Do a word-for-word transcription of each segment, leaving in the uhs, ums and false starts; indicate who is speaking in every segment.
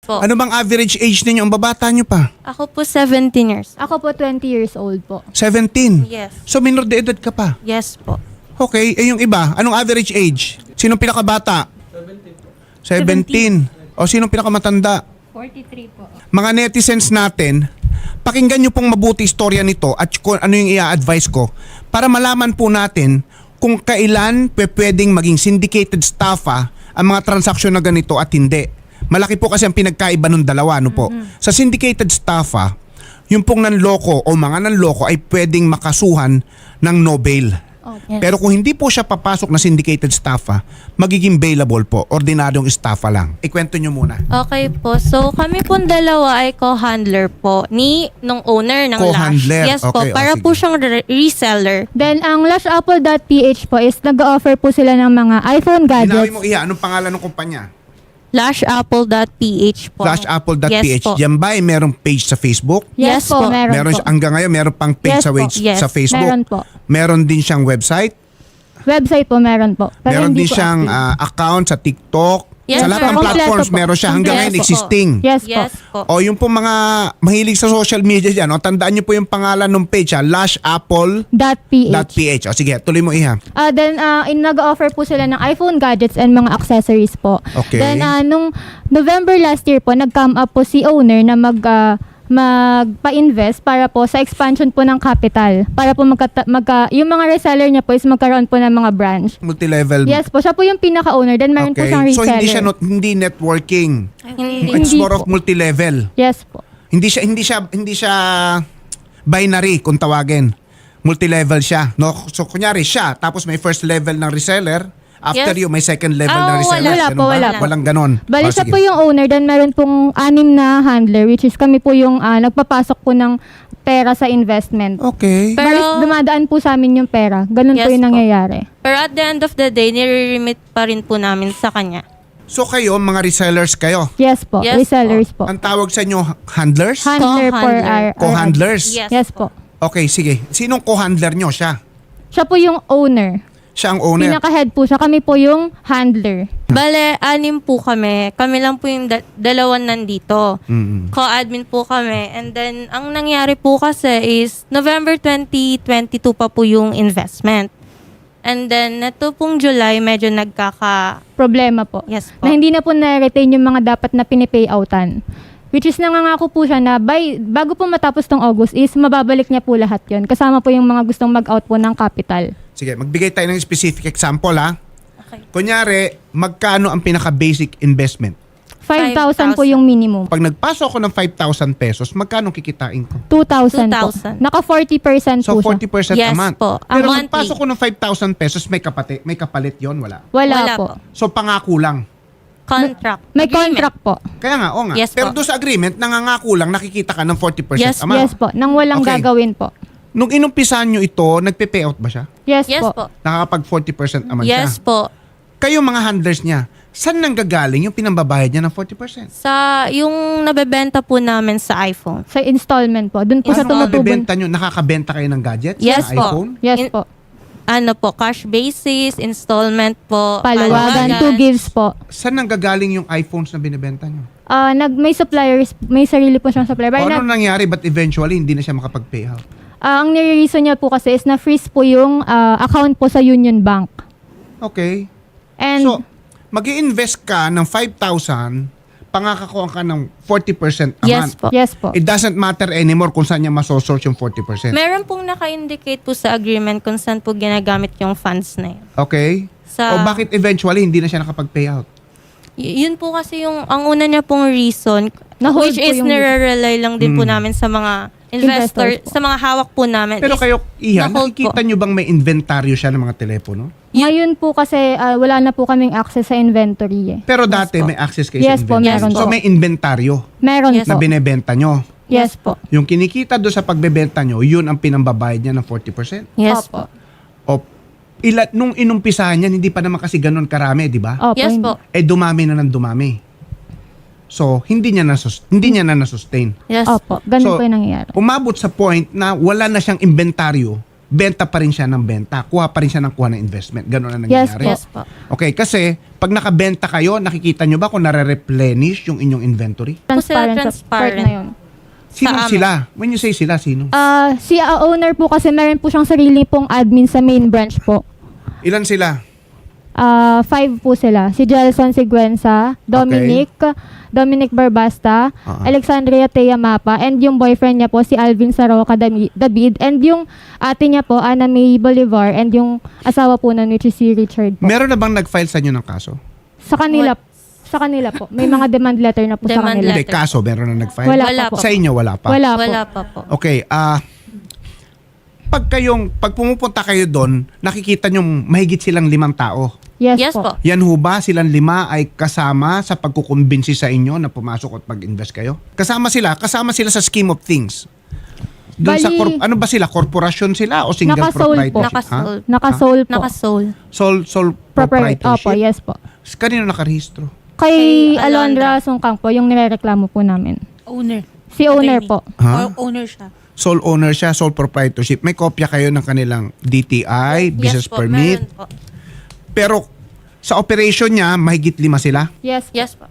Speaker 1: po.
Speaker 2: Ano bang average age ninyo? Ang babata nyo pa.
Speaker 1: Ako po seventeen years.
Speaker 3: Ako po twenty years old po.
Speaker 2: seventeen.
Speaker 1: Yes.
Speaker 2: So minor de edad ka pa.
Speaker 1: Yes po.
Speaker 2: Okay, eh yung iba, anong average age? Sinong pinakabata? seventeen. O sinong pinakamatanda?
Speaker 3: forty-three po.
Speaker 2: Mga netizens natin, pakinggan nyo pong mabuti istorya nito at kung ano yung i-advise ko para malaman po natin kung kailan pe- pwedeng maging syndicated staffa ang mga transaksyon na ganito at hindi. Malaki po kasi ang pinagkaiba ng dalawa, no po. Sa syndicated staffa, yung pong nanloko o mga nanloko ay pwedeng makasuhan ng no bail.
Speaker 1: Yes.
Speaker 2: Pero kung hindi po siya papasok na syndicated staffa, magiging bailable po, ordinaryong staffa lang. Ikwento nyo muna.
Speaker 1: Okay po. So kami pong dalawa ay co-handler po ni nung owner ng
Speaker 2: Co-handler.
Speaker 1: Lash. Yes po.
Speaker 2: Okay, oh,
Speaker 1: Para
Speaker 2: sige.
Speaker 1: po siyang re- reseller.
Speaker 3: Then, ang lashapple dot p h po is nag-offer po sila ng mga iPhone
Speaker 2: Ginawi
Speaker 3: gadgets.
Speaker 2: mo iya, anong pangalan ng kumpanya?
Speaker 1: lashapple dot p h po.
Speaker 2: Flashapple dot p h.
Speaker 1: Yes po.
Speaker 2: Diyan ba ay merong page sa Facebook?
Speaker 3: Yes,
Speaker 1: Yes
Speaker 3: po,
Speaker 1: po.
Speaker 3: meron,
Speaker 2: Meron
Speaker 3: po.
Speaker 2: siya, hanggang ngayon meron pang page
Speaker 3: Yes
Speaker 2: sa,
Speaker 3: po.
Speaker 2: wage,
Speaker 1: Yes.
Speaker 2: sa Facebook.
Speaker 3: Meron po.
Speaker 2: Meron din siyang website.
Speaker 3: Website po, meron po. Pero
Speaker 2: Meron
Speaker 3: hindi
Speaker 2: din
Speaker 3: po
Speaker 2: siyang
Speaker 3: active.
Speaker 2: ah, account sa TikTok.
Speaker 1: Yes,
Speaker 2: sa lahat
Speaker 1: sir.
Speaker 2: ng
Speaker 3: Kompleto
Speaker 2: platforms
Speaker 3: po.
Speaker 2: meron siya hanggang
Speaker 1: Yes
Speaker 2: ngayon
Speaker 1: po.
Speaker 2: existing.
Speaker 3: Yes po.
Speaker 1: Yes po.
Speaker 2: O yung po mga mahilig sa social media dyan, o, tandaan niyo po yung pangalan ng page, ha, lashapple
Speaker 3: Dot .ph.
Speaker 2: dot p h. O sige, tuloy mo iha.
Speaker 3: Ah, then uh, in nag-offer po sila ng iPhone gadgets and mga accessories po.
Speaker 2: Okay.
Speaker 3: Then ah, nung November last year po, nag-come up po si owner na mag ah, magpa-invest para po sa expansion po ng capital. Para po magka, magka yung mga reseller niya po is magkaroon po ng mga branch.
Speaker 2: Multilevel.
Speaker 3: Yes po, siya po yung pinaka-owner. Then meron po
Speaker 2: Okay.
Speaker 3: siyang
Speaker 2: So
Speaker 3: reseller.
Speaker 2: hindi siya not, hindi networking.
Speaker 1: Hindi.
Speaker 2: It's
Speaker 3: Hindi
Speaker 2: more
Speaker 3: po.
Speaker 2: of multilevel.
Speaker 3: Yes po.
Speaker 2: Hindi siya hindi siya hindi siya binary kung tawagin. Multi-level siya, no? So kunyari siya, tapos may first level ng reseller, after
Speaker 1: Yes.
Speaker 2: you may second level
Speaker 1: Ah,
Speaker 2: ng reseller.
Speaker 3: wala
Speaker 2: Ganun
Speaker 3: po,
Speaker 2: ba?
Speaker 3: wala po.
Speaker 2: Walang ganon.
Speaker 3: Bali
Speaker 2: Oh,
Speaker 3: siya
Speaker 2: sige.
Speaker 3: po yung owner, then meron pong anim na handler, which is kami po yung ah, nagpapasok po ng pera sa investment.
Speaker 2: Okay.
Speaker 3: Bali,
Speaker 1: Pero-
Speaker 3: dumadaan po sa amin yung pera. Ganun po
Speaker 1: Yes
Speaker 3: yung
Speaker 1: po.
Speaker 3: nangyayari.
Speaker 1: Pero at the end of the day, nire-remit pa rin po namin sa kanya.
Speaker 2: So kayo, mga resellers kayo.
Speaker 3: Yes po,
Speaker 1: Yes
Speaker 3: resellers po.
Speaker 2: Ang tawag sa inyo, handlers?
Speaker 3: Handler for
Speaker 1: Co-handler.
Speaker 3: our... our-
Speaker 2: Co-handlers?
Speaker 1: Yes,
Speaker 3: Yes po.
Speaker 2: Okay, sige. Sinong co-handler nyo? Siya.
Speaker 3: Siya po yung owner.
Speaker 2: Siya ang owner.
Speaker 3: Pinaka-head po siya. Kami po yung handler.
Speaker 1: Bale, anim po kami. Kami lang po yung da- dalawan nandito.
Speaker 2: Mm-mm.
Speaker 1: Co-admin po kami. And then, ang nangyari po kasi is November twenty twenty-two pa po yung investment. And then, nato pong July, medyo nagkaka...
Speaker 3: Problema po.
Speaker 1: Yes po.
Speaker 3: Na hindi na po na-retain yung mga dapat na pinipayoutan. Which is nangangako po siya na by, bago po matapos tong August is mababalik niya po lahat yon. Kasama po yung mga gustong mag-out po ng capital.
Speaker 2: Sige, magbigay tayo ng specific example, ha?
Speaker 1: Okay.
Speaker 2: Kunyari, magkano ang pinaka-basic investment?
Speaker 3: five thousand po
Speaker 1: five thousand.
Speaker 3: yung minimum.
Speaker 2: Pag nagpasok ako ng five thousand pesos, magkano kikitain ko?
Speaker 3: two thousand po.
Speaker 1: two thousand.
Speaker 3: Naka forty percent
Speaker 2: So,
Speaker 3: po siya.
Speaker 2: forty percent a
Speaker 1: Yes
Speaker 2: month.
Speaker 1: po. A
Speaker 2: Pero
Speaker 1: monthly.
Speaker 2: magpasok ko ng five thousand pesos, may, kapate, may kapalit yon wala.
Speaker 3: Wala,
Speaker 1: Wala
Speaker 3: po.
Speaker 1: po.
Speaker 2: So, pangako lang.
Speaker 1: Contract.
Speaker 3: May
Speaker 1: Agreement.
Speaker 3: contract po.
Speaker 2: Kaya nga, o nga.
Speaker 1: Yes
Speaker 2: Pero
Speaker 1: po.
Speaker 2: doon sa agreement, nangangako lang, nakikita ka ng forty percent
Speaker 1: Yes,
Speaker 2: a month.
Speaker 3: Yes po. Nang walang
Speaker 2: Okay.
Speaker 3: gagawin po.
Speaker 2: Nung inumpisahan nyo ito, nagpe-payout ba siya?
Speaker 3: Yes,
Speaker 1: Yes
Speaker 3: po.
Speaker 1: po.
Speaker 2: Nakakapag forty percent a month
Speaker 1: Yes
Speaker 2: siya?
Speaker 1: po.
Speaker 2: Kayo mga handlers niya, saan nanggagaling yung pinambabayad niya ng forty percent?
Speaker 1: Sa yung nabebenta po namin sa iPhone.
Speaker 3: Sa installment po. Doon po sa
Speaker 2: Ano
Speaker 3: tumutubon.
Speaker 2: bibenta nyo? Nakakabenta kayo ng gadgets
Speaker 1: Yes
Speaker 2: sa
Speaker 1: po.
Speaker 2: iPhone?
Speaker 3: Yes
Speaker 1: In-
Speaker 3: po.
Speaker 1: Ano po, cash basis, installment po.
Speaker 3: Palawagan, two gives po.
Speaker 2: Saan nanggagaling yung iPhones na binibenta nyo?
Speaker 3: Ah, nag may suppliers, may sarili po siyang supplier.
Speaker 2: O
Speaker 3: Bali
Speaker 2: ano
Speaker 3: na,
Speaker 2: nangyari but eventually hindi na siya makapag-payout?
Speaker 3: ah, ang nire-reason niya po kasi is na-freeze po yung ah, account po sa Union Bank.
Speaker 2: Okay.
Speaker 3: And
Speaker 2: So, mag invest ka ng five thousand, pangakakuha ka ng forty percent a
Speaker 1: Yes
Speaker 2: month.
Speaker 1: po.
Speaker 3: yes po.
Speaker 2: It doesn't matter anymore kung saan niya masosource yung forty percent.
Speaker 1: Meron pong naka-indicate po sa agreement kung saan po ginagamit yung funds na yun.
Speaker 2: Okay?
Speaker 1: Sa,
Speaker 2: O bakit eventually hindi na siya nakapag-payout?
Speaker 1: Y- yun po kasi yung, ang una niya pong reason,
Speaker 3: Na-hold
Speaker 1: which
Speaker 3: po
Speaker 1: is
Speaker 3: yung-
Speaker 1: nire-rely lang din po
Speaker 2: Mm.
Speaker 1: namin sa mga investor,
Speaker 3: Investors po.
Speaker 1: sa mga hawak po namin.
Speaker 2: Pero
Speaker 1: is
Speaker 2: kayo, Iha,
Speaker 1: na-hold
Speaker 2: nakikita
Speaker 1: po.
Speaker 2: nyo bang may inventaryo siya ng mga telepono?
Speaker 3: Ngayon po kasi ah, wala na po kaming access sa inventory eh.
Speaker 2: Pero dati
Speaker 1: po.
Speaker 2: may access kayo
Speaker 3: Yes
Speaker 2: sa
Speaker 3: po,
Speaker 2: inventory.
Speaker 3: meron
Speaker 2: So
Speaker 3: po.
Speaker 2: may inventaryo
Speaker 3: Meron
Speaker 1: Yes
Speaker 2: na
Speaker 3: po.
Speaker 2: binebenta nyo.
Speaker 3: Yes po.
Speaker 2: Yung kinikita doon sa pagbebenta nyo, yun ang pinambabayad niya ng forty percent.
Speaker 1: Yes
Speaker 3: Opo.
Speaker 1: po.
Speaker 2: O ila, nung inumpisahan yan, hindi pa naman kasi ganun karami, di ba?
Speaker 3: Opo,
Speaker 1: Yes
Speaker 3: hindi.
Speaker 1: po.
Speaker 2: Eh dumami na ng dumami. So, hindi niya na hindi niya na na-sustain.
Speaker 1: Yes
Speaker 3: Opo,
Speaker 1: po.
Speaker 3: ganun
Speaker 2: So,
Speaker 3: po yung nangyayari.
Speaker 2: Umabot sa point na wala na siyang inventaryo benta pa rin siya ng benta, kuha pa rin siya ng kuha ng investment. Ganun ang
Speaker 3: Yes,
Speaker 2: nangyayari.
Speaker 1: Yes po.
Speaker 2: Okay, kasi pag nakabenta kayo, nakikita nyo ba kung nare-replenish yung inyong inventory?
Speaker 1: Po sila
Speaker 3: Transparent, sa part
Speaker 1: transparent.
Speaker 3: na yun.
Speaker 2: Sino
Speaker 1: Sa amin.
Speaker 2: sila? When you say sila, sino?
Speaker 3: Ah, si ah, owner po kasi meron po siyang sarili pong admin sa main branch po.
Speaker 2: Ilan sila?
Speaker 3: Ah, five po sila. Si Jelson Siguenza, Dominic, Dominic Barbasta,
Speaker 2: Ah.
Speaker 3: Alexandria Tea Mapa, and yung boyfriend niya po si Alvin Saroca Dami- David, and yung ate niya po, Ana May Bolivar, and yung asawa po na which is si Richard po.
Speaker 2: Meron na bang nag-file sa inyo ng kaso?
Speaker 3: Sa kanila, sa kanila po. May mga demand letter na po sa
Speaker 1: Demand
Speaker 3: kanila.
Speaker 2: Hindi,
Speaker 1: letter.
Speaker 2: kaso meron na nag-file?
Speaker 3: Wala,
Speaker 1: Wala
Speaker 3: pa po.
Speaker 1: po.
Speaker 2: Sa inyo, wala pa?
Speaker 3: Wala po.
Speaker 1: Wala pa po.
Speaker 2: Okay, ah... pag kayong, pag pumupunta kayo doon, nakikita nyo mahigit silang limang tao.
Speaker 3: Yes,
Speaker 1: Yes
Speaker 3: po.
Speaker 1: po.
Speaker 2: Yan ho ba, silang lima ay kasama sa pagkukumbinsi sa inyo na pumasok at mag-invest kayo? Kasama sila, kasama sila sa scheme of things. Doon sa
Speaker 3: Bali-
Speaker 2: corp- ano ba sila? Korporasyon sila o single
Speaker 3: Naka-sole po.
Speaker 2: proprietorship?
Speaker 1: Naka-sole.
Speaker 3: Naka-sole po.
Speaker 1: Naka-soul.
Speaker 2: Sole, sole
Speaker 3: Proper,
Speaker 2: proprietorship?
Speaker 3: opo, yes po.
Speaker 2: Kanino nakarehistro?
Speaker 3: Kay
Speaker 1: Kay
Speaker 3: Alondra
Speaker 1: Alondra.
Speaker 3: Sungkang po, yung nirereklamo po namin.
Speaker 4: Owner.
Speaker 3: Si owner po.
Speaker 2: Ha?
Speaker 4: O- owner siya.
Speaker 2: Sole owner siya, sole proprietorship. May kopya kayo ng kanilang D T I, business
Speaker 1: Yes po,
Speaker 2: permit.
Speaker 1: meron po.
Speaker 2: Pero sa operation niya, mahigit lima sila.
Speaker 3: Yes.
Speaker 1: Yes po.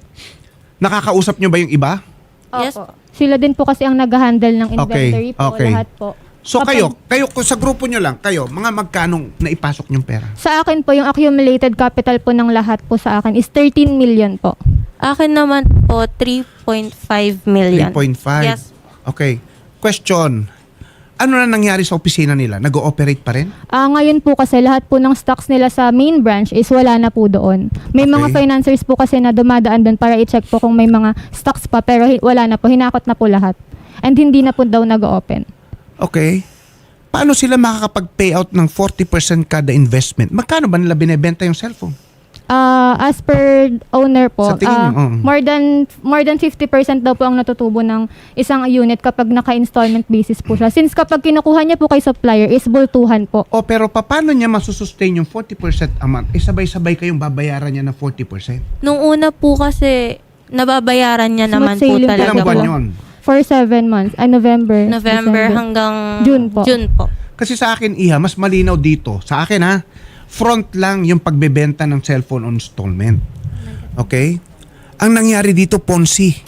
Speaker 2: Nakakausap nyo ba yung iba?
Speaker 1: Yes
Speaker 3: Opo. Sila din po kasi ang nag-handle ng inventory po,
Speaker 2: okay.
Speaker 3: lahat po.
Speaker 2: So
Speaker 3: Kapag-
Speaker 2: kayo, kayo kung sa grupo nyo lang, kayo, mga magkanong naipasok yung pera?
Speaker 3: Sa akin po, yung accumulated capital po ng lahat po sa akin is thirteen million po.
Speaker 1: Akin naman po, three point five million.
Speaker 2: three point five?
Speaker 1: Yes.
Speaker 2: Okay. Question. Ano na nangyari sa opisina nila? Nag-ooperate pa rin?
Speaker 3: Ah, ngayon po kasi lahat po ng stocks nila sa main branch is wala na po doon. May
Speaker 2: Okay.
Speaker 3: mga financiers po kasi na dumadaan doon para i-check po kung may mga stocks pa pero hi- wala na po, hinakot na po lahat. And hindi na po daw nag-open.
Speaker 2: Okay. Paano sila makakapag-payout ng forty percent kada investment? Magkano ba nila binebenta yung cellphone?
Speaker 3: Ah, as per owner po,
Speaker 2: Sa tingin
Speaker 3: ah,
Speaker 2: niyo, oo.
Speaker 3: more than more than fifty percent daw po ang natutubo ng isang unit kapag naka-installment basis po siya. Since kapag kinukuha niya po kay supplier is bultuhan po.
Speaker 2: O pero paano niya masusustain yung forty percent a month? Eh sabay-sabay kayong babayaran niya ng forty percent.
Speaker 1: Nung una po kasi, nababayaran niya
Speaker 3: Smooth
Speaker 1: naman po
Speaker 3: sailing po
Speaker 1: talaga
Speaker 2: Ilang
Speaker 3: talaga
Speaker 2: buwan
Speaker 3: po.
Speaker 2: yun?
Speaker 3: For seven months. Ay, November.
Speaker 1: November
Speaker 3: December.
Speaker 1: hanggang
Speaker 3: June po.
Speaker 1: June po.
Speaker 2: Kasi sa akin, Iha, mas malinaw dito. Sa akin ha, front lang yung pagbebenta ng cellphone on installment. Okay? Ang nangyari dito, Ponzi.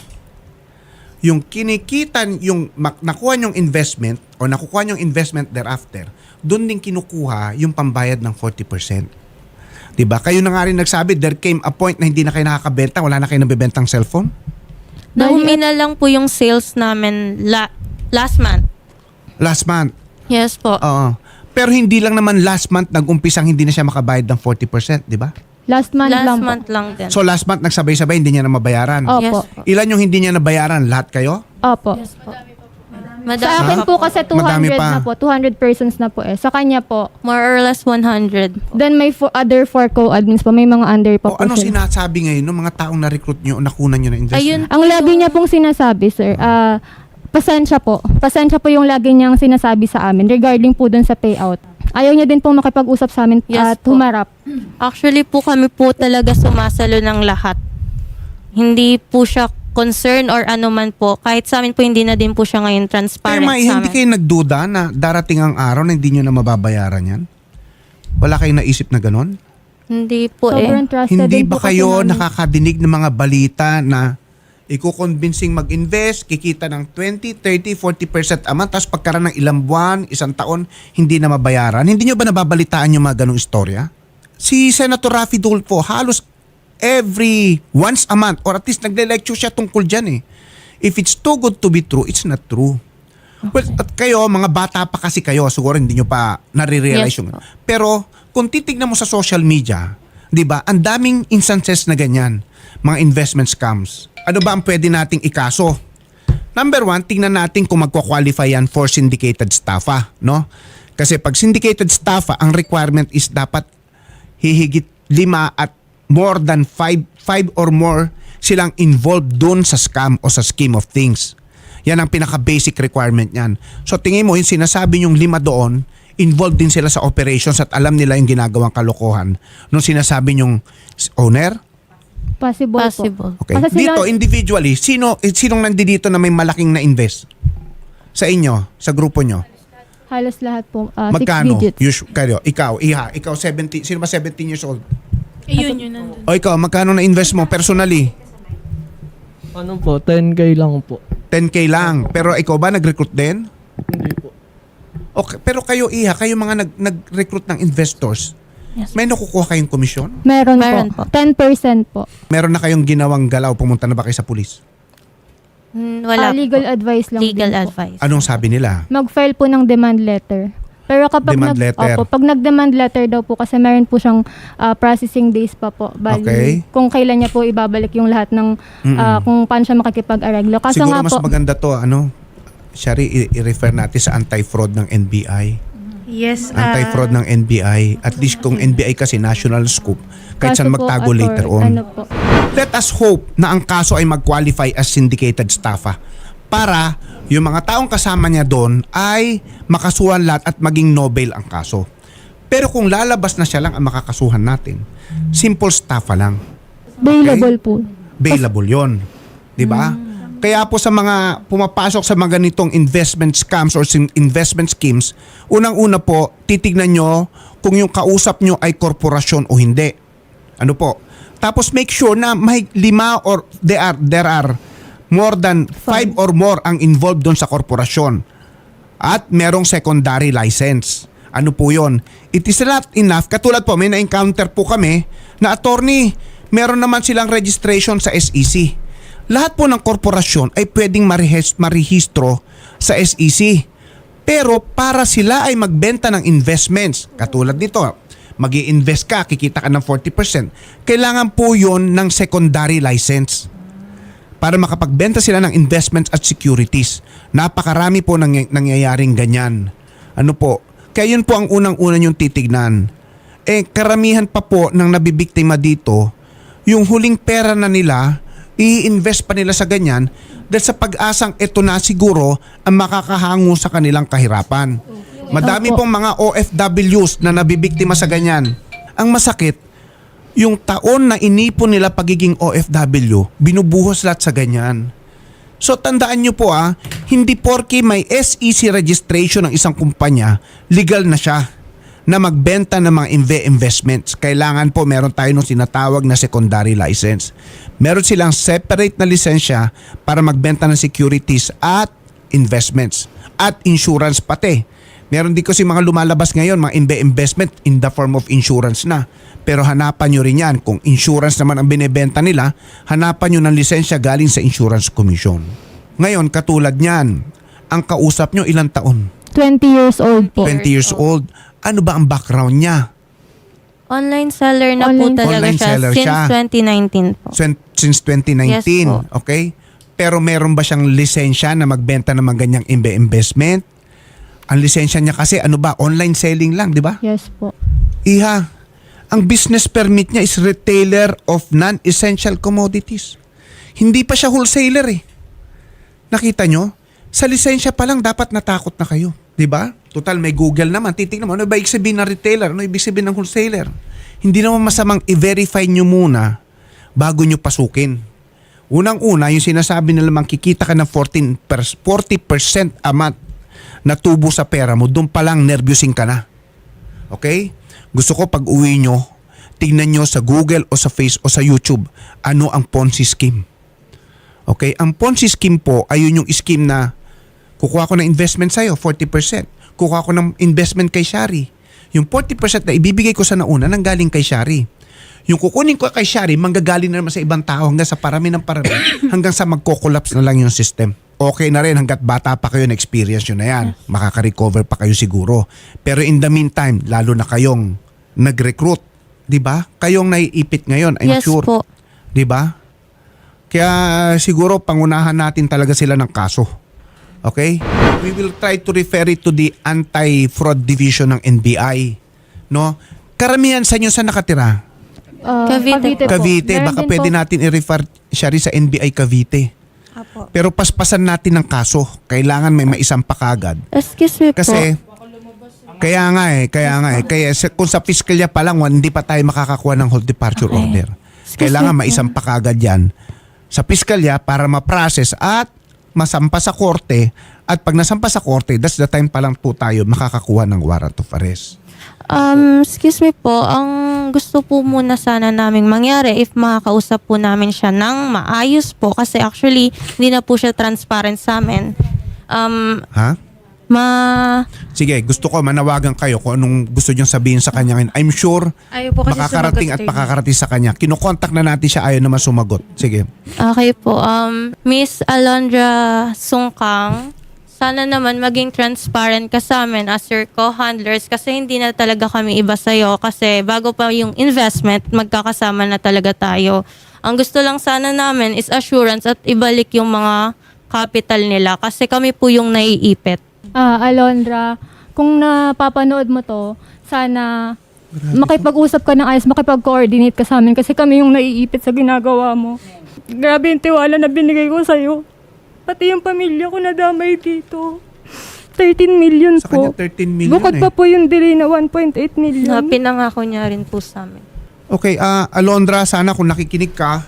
Speaker 2: Yung kinikitan, yung mak- nakuha yung investment o nakukuha yung investment thereafter, doon din kinukuha yung pambayad ng forty percent. Diba? Kayo na nga rin nagsabi, there came a point na hindi na kayo nakakabenta, wala na kayo nabibentang cellphone.
Speaker 1: Nahumina lang po yung sales namin la- last month.
Speaker 2: Last month.
Speaker 1: Yes po.
Speaker 2: Oo. Pero hindi lang naman last month nag-umpisang hindi na siya makabayad ng forty percent, di ba?
Speaker 3: Last month
Speaker 1: last
Speaker 3: lang
Speaker 1: month
Speaker 3: po.
Speaker 1: lang din.
Speaker 2: So last month nagsabay-sabay hindi niya na mabayaran.
Speaker 3: Opo.
Speaker 1: Yes po.
Speaker 2: Ilan yung hindi niya nabayaran? Lahat kayo?
Speaker 3: Opo.
Speaker 1: Madami
Speaker 3: Sa akin
Speaker 1: pa
Speaker 3: po kasi two
Speaker 2: Madami
Speaker 3: hundred
Speaker 2: pa.
Speaker 3: na po. two hundred persons na po eh. Sa kanya po.
Speaker 1: More or less one hundred po.
Speaker 3: Then may fo- other four co-admins po. May mga under pa
Speaker 2: O
Speaker 3: po
Speaker 2: anong
Speaker 3: sila.
Speaker 2: sinasabi ngayon ng mga taong na-recruit niyo o nakunan niyo na investment?
Speaker 1: Ayun
Speaker 3: Ang lagi niya pong sinasabi, sir, ah, pasensya po. Pasensya po yung lagi niyang sinasabi sa amin regarding po dun sa payout. Ayaw niya din pong makipag-usap sa amin
Speaker 1: Yes
Speaker 3: at
Speaker 1: po.
Speaker 3: humarap.
Speaker 1: Actually po kami po talaga sumasalo ng lahat. Hindi po siya concern or ano man po. Kahit sa amin po hindi na din po siya ngayon
Speaker 2: Pero
Speaker 1: transparent
Speaker 2: ma,
Speaker 1: sa
Speaker 2: hindi
Speaker 1: amin.
Speaker 2: kayo nagduda na darating ang araw na hindi niyo na mababayaran yan? Wala kayong naisip na ganon?
Speaker 1: Hindi po
Speaker 3: Sobrang
Speaker 1: eh.
Speaker 3: trusted
Speaker 2: Hindi
Speaker 3: din
Speaker 2: ba
Speaker 3: po kasi
Speaker 2: kayo
Speaker 3: namin.
Speaker 2: nakakadinig ng mga balita na ikukonbinsing mag-invest, kikita ng twenty, thirty, forty percent a month, tapos pagkaraan ng ilang buwan, isang taon, hindi na mabayaran? Hindi nyo ba nababalitaan yung mga ganong istorya? Si Senator Raffy Tulfo, halos every once a month, or at least nagle-lecture siya tungkol dyan eh. If it's too good to be true, it's not true. Well, at kayo, mga bata pa kasi kayo, siguro hindi nyo pa nare-realize
Speaker 1: Yes
Speaker 2: yung...
Speaker 1: po.
Speaker 2: Pero kung titignan mo sa social media, di ba, ang daming instances na ganyan, mga investment scams. Ano ba ang pwede nating ikaso? Number one, tingnan natin kung magkwa-qualify yan for syndicated staffa, no? Kasi pag syndicated staffa, ang requirement is dapat hihigit lima at more than five, five or more silang involved doon sa scam o sa scheme of things. Yan ang pinaka-basic requirement niyan. So tingin mo, yung sinasabi yung lima doon, involved din sila sa operations at alam nila yung ginagawang kalokohan. Nung sinasabi yung owner,
Speaker 3: Possible,
Speaker 1: Possible.
Speaker 3: po.
Speaker 2: okay.
Speaker 3: Kasi sila-
Speaker 2: Dito, individually, sino, eh, sinong nandito na may malaking na-invest? Sa inyo, sa grupo nyo?
Speaker 3: Halos lahat po, uh, six
Speaker 2: Magkano?
Speaker 3: digits.
Speaker 2: Usu- kayo, ikaw, Iha, ikaw seventeen, sino ba seventeen years old?
Speaker 4: Ayun, yun nandun.
Speaker 2: O ikaw, magkano na invest mo personally?
Speaker 5: Ano po, ten K lang po.
Speaker 2: ten K lang. Pero ikaw ba nag-recruit din?
Speaker 5: Hindi po.
Speaker 2: Okay, pero kayo, Iha, kayo mga nag- nag-recruit ng investors,
Speaker 1: Yes.
Speaker 2: may nakukuha kayong komisyon?
Speaker 3: Meron,
Speaker 1: Meron
Speaker 3: po.
Speaker 1: po.
Speaker 3: ten percent po.
Speaker 2: Meron na kayong ginawang galaw, pumunta na ba kayo sa pulis?
Speaker 1: Hmm, Wala
Speaker 3: Ah, legal
Speaker 1: po.
Speaker 3: advice lang
Speaker 1: Legal
Speaker 3: din po.
Speaker 1: advice.
Speaker 2: Anong sabi nila?
Speaker 3: Mag-file po ng demand letter. Pero kapag
Speaker 2: Demand
Speaker 3: nag,
Speaker 2: letter.
Speaker 3: Opo, pag nag-demand letter daw po kasi meron po siyang ah, processing days pa po. Bali,
Speaker 2: Okay.
Speaker 3: kung kailan niya po ibabalik yung lahat ng ah, kung paano siya makikipag-areglo. Kasi
Speaker 2: Siguro
Speaker 3: nga
Speaker 2: mas
Speaker 3: po,
Speaker 2: maganda to, ano, Shari, i- i-refer natin sa anti-fraud ng N B I.
Speaker 4: Yes. ah,
Speaker 2: Anti-fraud ng N B I. At least kung N B I kasi national scoop, kahit
Speaker 3: kaso
Speaker 2: saan
Speaker 3: po,
Speaker 2: magtago
Speaker 3: ator-
Speaker 2: later on.
Speaker 3: Ano po,
Speaker 2: Let us hope na ang kaso ay mag-qualify as syndicated staffa para yung mga taong kasama niya doon ay makasuhan lahat at maging Nobel ang kaso. Pero kung lalabas na siya lang ang makakasuhan natin, simple staffa lang.
Speaker 3: bailable po.
Speaker 2: Bailable yon, di ba? Kaya po sa mga pumapasok sa mga ganitong investment scams or sin- investment schemes, unang-una po, titignan nyo kung yung kausap nyo ay korporasyon o hindi. Ano po? Tapos make sure na may lima or there are, there are more than five or more ang involved doon sa korporasyon. At merong secondary license. Ano po yon? It is not enough. Katulad po, may na-encounter po kami na attorney, meron naman silang registration sa S E C. Lahat po ng korporasyon ay pwedeng marehis- marehistro sa S E C. Pero para sila ay magbenta ng investments, katulad nito, mag-i-invest ka, kikita ka ng forty percent, kailangan po yon ng secondary license para makapagbenta sila ng investments at securities. Napakarami po nang, nangyayaring ganyan. Ano po? Kaya yun po ang unang-una yung titignan. Eh, karamihan pa po ng nabibiktima dito, yung huling pera na nila, i-invest pa nila sa ganyan dahil sa pag-asang ito na siguro ang makakahango sa kanilang kahirapan. Madami
Speaker 3: Opo.
Speaker 2: pong mga O F Ws na nabibiktima sa ganyan. Ang masakit, yung taon na inipon nila pagiging O F W, binubuhos lahat sa ganyan. So tandaan nyo po ah, hindi porke may S E C registration ng isang kumpanya, legal na siya na magbenta ng mga inve- investments. Kailangan po meron tayo nung sinatawag na secondary license. Meron silang separate na lisensya para magbenta ng securities at investments at insurance pati. Meron din kasi mga lumalabas ngayon, mga inve- investment in the form of insurance na. Pero hanapan nyo rin yan. Kung insurance naman ang binibenta nila, hanapan nyo ng lisensya galing sa Insurance Commission. Ngayon, katulad niyan, ang kausap nyo ilang taon?
Speaker 3: twenty years old po.
Speaker 2: twenty years old. Ano ba ang background niya?
Speaker 1: Online seller na
Speaker 3: Online-
Speaker 1: po talaga
Speaker 2: Online
Speaker 1: siya
Speaker 2: seller
Speaker 1: since
Speaker 2: siya.
Speaker 1: twenty nineteen po.
Speaker 2: Sin- Since twenty nineteen,
Speaker 1: Yes po.
Speaker 2: okay? Pero meron ba siyang lisensya na magbenta ng mga ganyang imbe- investment? Ang lisensya niya kasi ano ba? Online selling lang, di ba?
Speaker 3: Yes po.
Speaker 2: Iha, ang business permit niya is retailer of non-essential commodities. Hindi pa siya wholesaler eh. Nakita nyo? Sa lisensya pa lang dapat natakot na kayo. Di ba? Total may Google naman. Titignan mo, ano ba ibig sabihin ng retailer? Ano ibig sabihin ng wholesaler? Hindi naman masamang i-verify nyo muna bago nyo pasukin. Unang-una, yung sinasabi nila makikita ka ng fourteen per- forty percent a month na tubo sa pera mo, doon pa lang nervyosing ka na. Okay? Gusto ko pag uwi nyo, tingnan nyo sa Google o sa Face o sa YouTube, ano ang Ponzi scheme. Okay? Ang Ponzi scheme po, ayun yung scheme na kukuha ko ng investment sa'yo, forty percent. Kukuha ko ng investment kay Shari. Yung forty percent na ibibigay ko sa nauna, nanggaling kay Shari. Yung kukunin ko kay Shari, manggagaling na naman sa ibang tao hanggang sa parami ng parami, hanggang sa magko-collapse na lang yung system. Okay na rin hanggat bata pa kayo na experience nyo na yan. Makaka-recover pa kayo siguro. Pero in the meantime, lalo na kayong nag-recruit, di ba? Kayong naiipit ngayon, I'm
Speaker 1: Yes
Speaker 2: sure.
Speaker 1: po.
Speaker 2: Di ba? Kaya siguro pangunahan natin talaga sila ng kaso. Okay? We will try to refer it to the Anti-Fraud Division ng N B I. No? Karamihan sa inyo sa nakatira?
Speaker 3: Ah,
Speaker 1: Cavite
Speaker 3: po.
Speaker 2: Cavite.
Speaker 3: Meron
Speaker 2: Baka
Speaker 3: din
Speaker 2: pwede
Speaker 3: po-
Speaker 2: natin i-refer siya rin sa N B I Cavite.
Speaker 1: Apo.
Speaker 2: Pero paspasan natin ng kaso. Kailangan may maisampa kagad.
Speaker 1: Excuse me po.
Speaker 2: Kasi, kaya nga eh, kaya nga eh. Kaya sa- kung sa piskalya pa lang, hindi pa tayo makakakuha ng hold departure
Speaker 1: Okay.
Speaker 2: order.
Speaker 1: Excuse
Speaker 2: Kailangan
Speaker 1: me po.
Speaker 2: maisampa kagad yan sa piskalya para ma-process at masampa sa korte At pag nasampa sa korte, that's the time pa lang po tayo makakakuha ng warrant of arrest.
Speaker 1: Um, excuse me po, ang gusto po muna sana naming mangyari if makakausap po namin siya ng maayos po kasi actually hindi na po siya transparent sa amin. Um,
Speaker 2: Ha?
Speaker 1: ma...
Speaker 2: Sige, gusto ko manawagan kayo kung anong gusto niyong sabihin sa kanya. I'm sure
Speaker 4: Ayaw po kasi
Speaker 2: makakarating at
Speaker 4: sumagot, attorney.
Speaker 2: pakakarating sa kanya. Kinokontak na natin siya, ayaw naman sumagot. Sige.
Speaker 1: Okay po. Um, Miss Alondra Sungkang, sana naman maging transparent ka sa amin as your co-handlers kasi hindi na talaga kami iba sa'yo kasi bago pa yung investment, magkakasama na talaga tayo. Ang gusto lang sana namin is assurance at ibalik yung mga capital nila kasi kami po yung naiipit.
Speaker 3: Ah, Alondra, kung napapanood mo to, sana makipag-usap ka ng ayos, makipag-coordinate ka sa amin kasi kami yung naiipit sa ginagawa mo. Grabe yung tiwala na binigay ko sa'yo. Pati yung pamilya ko nadamay dito. thirteen million
Speaker 2: Sa kanya
Speaker 3: po.
Speaker 2: thirteen million
Speaker 3: Bukod
Speaker 2: eh.
Speaker 3: pa po yung delay na one point eight million.
Speaker 1: Na pinangako niya rin po sa amin.
Speaker 2: Okay, ah Alondra, sana kung nakikinig ka,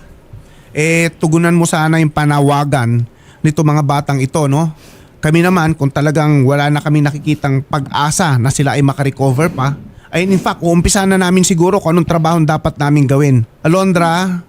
Speaker 2: eh tugunan mo sana yung panawagan nito mga batang ito, no? Kami naman, kung talagang wala na kami nakikitang pag-asa na sila ay makarecover pa, ay in fact, uumpisa na namin siguro kung anong trabaho dapat namin gawin. Alondra,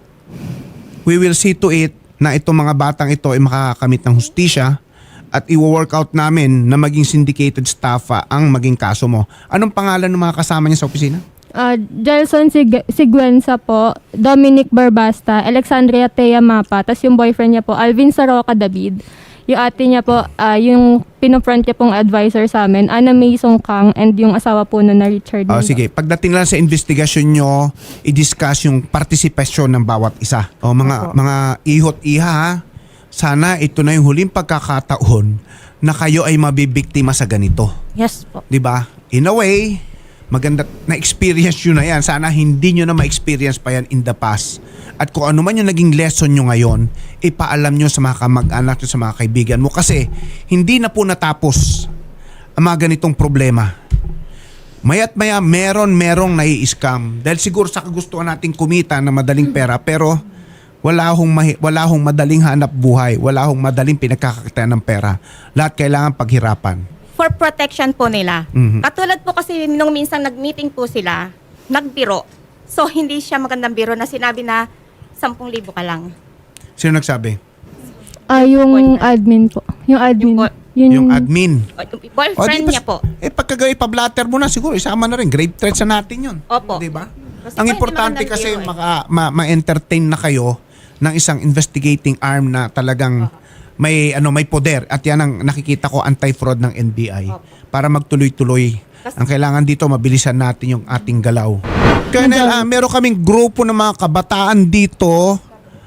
Speaker 2: we will see to it na itong mga batang ito ay makakamit ng hustisya at i-work out namin na maging syndicated staff ah, ang maging kaso mo. Anong pangalan ng mga kasama niya sa opisina?
Speaker 3: Ah, Jelson Sig- Siguenza po, Dominic Barbasta, Alexandria Tea Mapa, tas yung boyfriend niya po, Alvin Saroca David. Yung ate niya po, ah, yung pinofront niya pong advisor sa amin, Ana May Songkang, and yung asawa po nun na Richard.
Speaker 2: Oh,
Speaker 3: Mendo.
Speaker 2: sige, pagdating lang sa investigasyon nyo, i-discuss yung partisipasyon ng bawat isa. O mga mga ihot iha, ha? Sana ito na yung huling pagkakataon na kayo ay mabibiktima sa ganito.
Speaker 1: Yes po.
Speaker 2: 'Di ba? In a way, maganda na experience yun na yan. Sana hindi nyo na ma-experience pa yan in the past. At kung ano man yung naging lesson nyo ngayon, ipaalam nyo sa mga kamag-anak nyo, sa mga kaibigan mo. Kasi hindi na po natapos ang mga ganitong problema. Maya't maya, meron merong nai-scam. Dahil siguro sa kagustuhan nating kumita na madaling pera, pero wala hong, mahi- wala hong madaling hanap buhay. Wala hong madaling pinagkakakitaan ng pera. Lahat kailangan paghirapan.
Speaker 6: For protection po nila.
Speaker 2: Mhm.
Speaker 6: Katulad po kasi nung minsan nag-meeting po sila, nagbiro. So hindi siya magandang biro na sinabi na sampung libo ka lang.
Speaker 2: Sino nagsabi?
Speaker 3: Ah, yung
Speaker 6: Boyfriend.
Speaker 3: admin po. Yung admin.
Speaker 6: Yung boy-
Speaker 3: Yun,
Speaker 2: Yung admin.
Speaker 6: O, yung
Speaker 2: O,
Speaker 6: boyfriend
Speaker 2: di ba-
Speaker 6: niya po.
Speaker 2: Eh pagka ipablatter mo na siguro, isama na rin. Grave threats sa natin yun.
Speaker 6: Opo.
Speaker 2: Di ba?
Speaker 6: Kasi
Speaker 2: Ang
Speaker 6: po,
Speaker 2: importante
Speaker 6: hindi
Speaker 2: kasi
Speaker 6: magandang biro
Speaker 2: maka, ma, ma-entertain na kayo ng isang investigating arm na talagang may ano may poder at yan ang nakikita ko anti-fraud ng N B I para magtuloy-tuloy. Ang kailangan dito mabilisan natin yung ating galaw. Colonel, ah, meron kaming grupo ng mga kabataan dito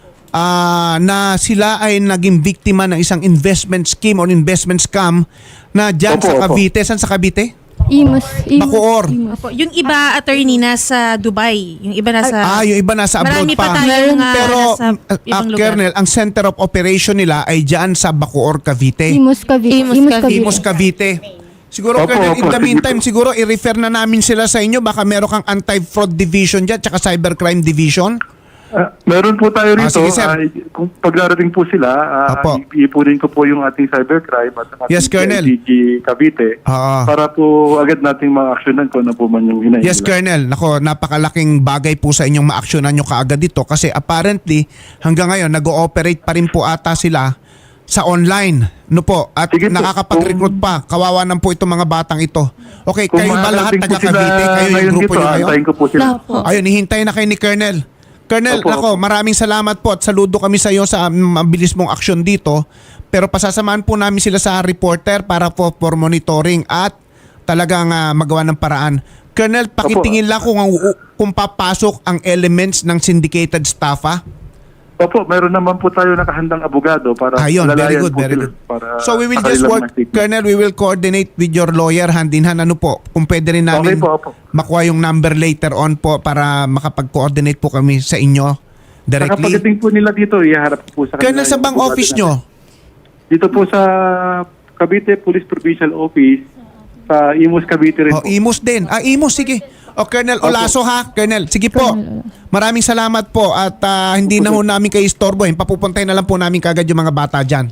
Speaker 2: ah, na sila ay naging biktima ng isang investment scheme or investment scam na dyan
Speaker 7: Opo,
Speaker 2: sa
Speaker 7: opo.
Speaker 2: Cavite. Saan sa Cavite?
Speaker 3: Imus. Imus.
Speaker 2: Bacoor.
Speaker 3: Imus.
Speaker 4: Opo, yung iba attorney nasa Dubai, yung iba nasa
Speaker 2: Ah, yung iba nasa abroad
Speaker 4: marami
Speaker 2: pa.
Speaker 4: pa tayong ah,
Speaker 2: Pero,
Speaker 4: nasa
Speaker 2: uh,
Speaker 4: ibang lugar.
Speaker 2: Colonel, ang center of operation nila ay dyan sa Bacoor, Cavite.
Speaker 3: Imus Cavite.
Speaker 1: Imus
Speaker 3: Imus
Speaker 1: Cavite.
Speaker 3: Cavite.
Speaker 2: Imus, Cavite. Siguro,
Speaker 7: Opo,
Speaker 2: Colonel, in
Speaker 7: opo,
Speaker 2: the
Speaker 7: sige
Speaker 2: meantime,
Speaker 7: po.
Speaker 2: siguro i-refer na namin sila sa inyo. Baka meron kang anti-fraud division dyan, tsaka cybercrime division.
Speaker 7: Ah, meron po tayo
Speaker 2: Ah,
Speaker 7: rito.
Speaker 2: sige, sir.
Speaker 7: Ah, kung pagdarating po sila, ah,
Speaker 2: Apo.
Speaker 7: iipunin ko po yung ating cybercrime at ang
Speaker 2: Yes,
Speaker 7: ating
Speaker 2: Colonel.
Speaker 7: D G Cavite
Speaker 2: Ah.
Speaker 7: para po agad nating ma-actionan kung ano po man yung hinahin
Speaker 2: Yes,
Speaker 7: nila.
Speaker 2: Colonel. Nako, napakalaking bagay po sa inyong ma-actionan nyo kaagad dito kasi apparently, hanggang ngayon, nag-ooperate pa rin po ata sila sa online. No po? At
Speaker 7: Sige po.
Speaker 2: nakakapag-recruit pa. Kawawa naman po itong mga batang ito. Okay,
Speaker 7: Kung
Speaker 2: kayo ba lahat
Speaker 7: makakarating po
Speaker 2: taga Cavite?
Speaker 7: sila
Speaker 2: Kayo yung
Speaker 7: ngayon
Speaker 2: grupo
Speaker 7: dito,
Speaker 2: nyo ngayon?
Speaker 7: antayin ko po sila.
Speaker 1: Lahat po.
Speaker 2: Ayun, hihintay na kayo ni Colonel. Colonel,
Speaker 7: Opo,
Speaker 2: ako,
Speaker 7: opo.
Speaker 2: maraming salamat po at saludo kami sa iyo sa mabilis mong aksyon dito. Pero pasasamahan po namin sila sa reporter para po for monitoring at talagang ah, magawa ng paraan. Colonel, pakitingin lang kung, ang- kung papasok ang elements ng syndicated staff, ha?
Speaker 7: Opo, meron naman po tayo nakahandang abogado para
Speaker 2: Ayun, very
Speaker 7: lalayan
Speaker 2: good,
Speaker 7: po
Speaker 2: very
Speaker 7: sila
Speaker 2: good.
Speaker 7: para
Speaker 2: So we will
Speaker 7: sa
Speaker 2: just
Speaker 7: kanilang
Speaker 2: work,
Speaker 7: mga statement.
Speaker 2: Colonel, we will coordinate with your lawyer hand in hand. Ano po, kung pwede rin namin
Speaker 7: Okay po, opo.
Speaker 2: makuha yung number later on po para makapag-coordinate po kami sa inyo
Speaker 7: Saka
Speaker 2: directly.
Speaker 7: pagdating po nila dito, iharap po sa
Speaker 2: Colonel,
Speaker 7: kanila
Speaker 2: sa
Speaker 7: yung
Speaker 2: bang
Speaker 7: abogado
Speaker 2: office
Speaker 7: natin.
Speaker 2: nyo?
Speaker 7: Dito po sa Cavite Police Provincial Office, sa Imus Cavite rin
Speaker 2: Oh,
Speaker 7: po.
Speaker 2: Imus din. Ah, Imus, sige. O, Colonel Olaso ha. Colonel, sige po. Maraming salamat po at ah, hindi na ho namin kayo istorbohin. Papupuntahin na lang po namin kagad yung mga bata dyan.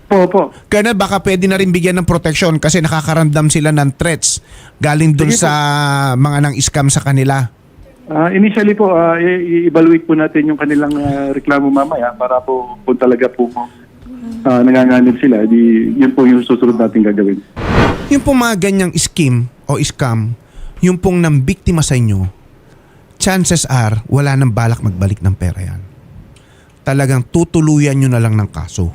Speaker 7: Po, po.
Speaker 2: Colonel, baka pwede na rin bigyan ng protection kasi nakakaramdam sila ng threats galing dun
Speaker 7: Sige po.
Speaker 2: sa mga nang scam sa kanila.
Speaker 7: Ah, initially po, ah, i- i-evaluate po natin yung kanilang ah, reklamo mamaya para po kung talaga po uh, nanganganib sila, di, yun po yung susunod natin gagawin.
Speaker 2: Yung pong mga ganyang scheme o scam, yung pong nang biktima sa inyo, chances are wala nang balak magbalik ng pera yan. Talagang tutuluyan nyo na lang ng kaso.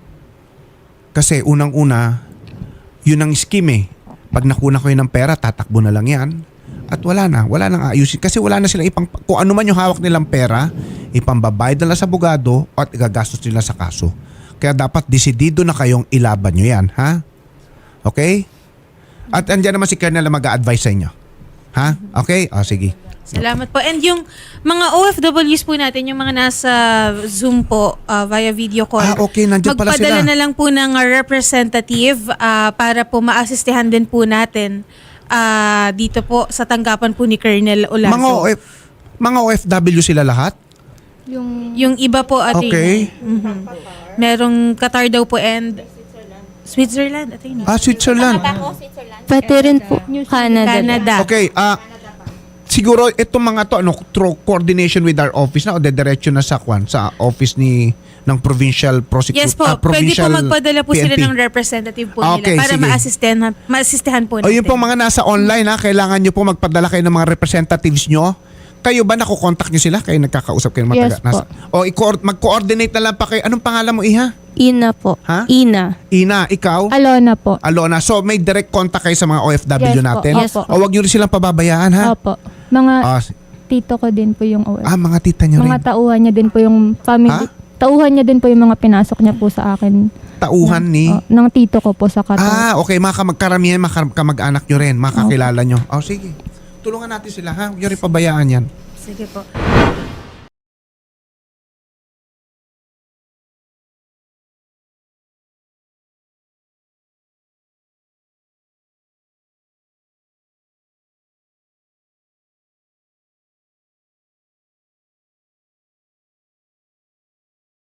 Speaker 2: Kasi unang-una, yun ang scheme eh. Pag nakuna ko yun ng pera, tatakbo na lang yan. At wala na, wala nang ayusin. Kasi wala na silang ipang, kung ano man yung hawak nilang pera, ipambabayad nila sa abogado at igagastos nila sa kaso. Kaya dapat desidido na kayong ilaban nyo yan, ha? Okay? At andyan naman si Colonel na mag-a-advise sa inyo. Ha? Okay? O, sige.
Speaker 4: Salamat po. And yung mga O F Ws po natin, yung mga nasa Zoom po uh, via video call.
Speaker 2: Ah, okay. Nandyan pala
Speaker 4: magpadala
Speaker 2: sila.
Speaker 4: na lang po ng uh, representative uh, para po maasistihan din po natin uh, dito po sa tanggapan po ni Colonel Olazo.
Speaker 2: Mga, OF, mga O F W sila lahat?
Speaker 3: Yung
Speaker 4: Yung iba po, attorney.
Speaker 2: Okay.
Speaker 4: Mhm. Merong Qatar daw po and Switzerland, attorney.
Speaker 2: Ah, Switzerland.
Speaker 6: Ako, Switzerland.
Speaker 1: Pati rin po Canada.
Speaker 4: Canada.
Speaker 2: Okay, ah siguro itong mga to ano through coordination with our office na o dediretso na sa kwan sa office ni ng provincial prosecutor
Speaker 4: Yes po,
Speaker 2: ah,
Speaker 4: pwede po
Speaker 2: provincial
Speaker 4: magpadala po
Speaker 2: P N P.
Speaker 4: sila ng representative po
Speaker 2: Okay,
Speaker 4: nila para
Speaker 2: sige.
Speaker 4: maasistihan, maasistihan po
Speaker 2: O
Speaker 4: natin.
Speaker 2: yung po mga nasa online ha, kailangan nyo po magpadala kayo ng mga representatives nyo. Kayo ba nakukontakt nyo sila? Kayo nagkakausap kayo ng mga
Speaker 3: Yes
Speaker 2: taga- nasa- O i-coord- mag-coordinate na lang pa kayo. Anong pangalan mo, Iha?
Speaker 1: Ina po.
Speaker 2: Ha?
Speaker 1: Ina.
Speaker 2: Ina, ikaw?
Speaker 3: Alona po.
Speaker 2: Alona. So may direct contact kayo sa mga O F W
Speaker 3: Yes po,
Speaker 2: natin?
Speaker 3: yes po.
Speaker 2: O wag nyo rin silang pababayaan ha?
Speaker 3: Opo. Mga
Speaker 2: Ah,
Speaker 3: tito ko din po yung O F.
Speaker 2: ah, mga tita nyo
Speaker 3: Mga
Speaker 2: rin.
Speaker 3: tauhan niya din po yung family.
Speaker 2: Ha?
Speaker 3: Tauhan niya din po yung mga pinasok niya po sa akin.
Speaker 2: Tauhan ni...
Speaker 3: Oh, ng tito ko po sa Qatar.
Speaker 2: Ah, okay. Mga kamagkaramihan, mga kam- kamag-anak nyo rin. Mga kakilala nyo. O sige. Tulungan natin sila ha. Huwag nyo rin pabayaan yan.
Speaker 4: Sige po.